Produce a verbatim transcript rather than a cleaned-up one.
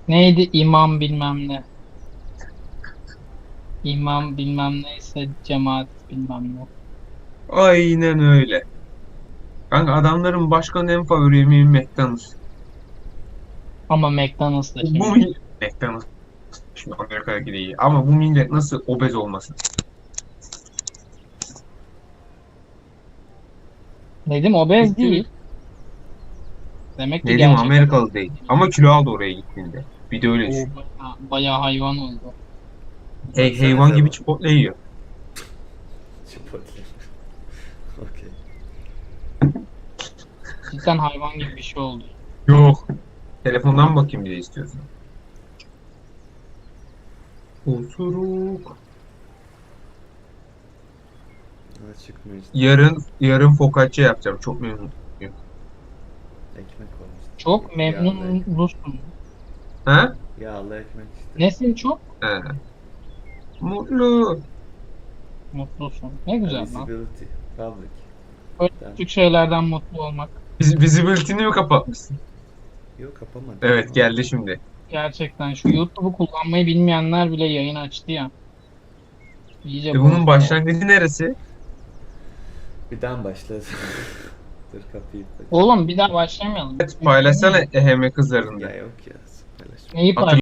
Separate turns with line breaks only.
Neydi imam bilmem ne. İmam bilmem neyse cemaat bilmem ne.
Aynen öyle. Kanka adamların başkanı en favori yemeği McDonald's.
Ama McDonald's da
Bu, bu
şimdi.
mi- McDonald's şimdi Amerika'daki değil. Ama bu millet nasıl obez olmasın?
Dedim obez
Gittim
değil. Demek ki
dedim
gerçek obez
Amerikalı değil.
değil.
Ama kilo aldı oraya gittiğinde. Bir de öyle
O
düşün.
bayağı, bayağı hayvan oldu.
Hey, hayvan
Baksanıza
gibi
bak.
Chipotle yiyor.
Chipotle. Okey.
Cidden hayvan gibi bir şey oldu.
Yok. Telefondan bakayım bir de istiyorsan. Osuruk.
Ha, çıkmıyor işte.
Yarın yarın focaccia yapacağım. Çok memnunum.
Ekmek olmuş.
Çok
Yağlı ekmek.
memnunlusun.
Ha?
Yağlı ekmek işte.
Nesin çok?
He. Mutlu.
Mutlusun. Ne
Ha,
güzel lan.
visibility. Public.
Böyle
Tamam.
küçük şeylerden mutlu olmak.
Biz, visibility'ni mi kapatmışsın?
Yok kapamadım.
Evet geldi şimdi.
Gerçekten şu YouTube'u kullanmayı bilmeyenler bile yayın açtı ya. İyice
E bunun
bozdu.
başlangıcı neresi?
Bir daha başladı. Dur kapıyı aç.
Oğlum bir daha başlamayalım.
Paylaşsana eheme kızlarında.
Ya yok ya. Paylaşma.
Neyi
Hatırla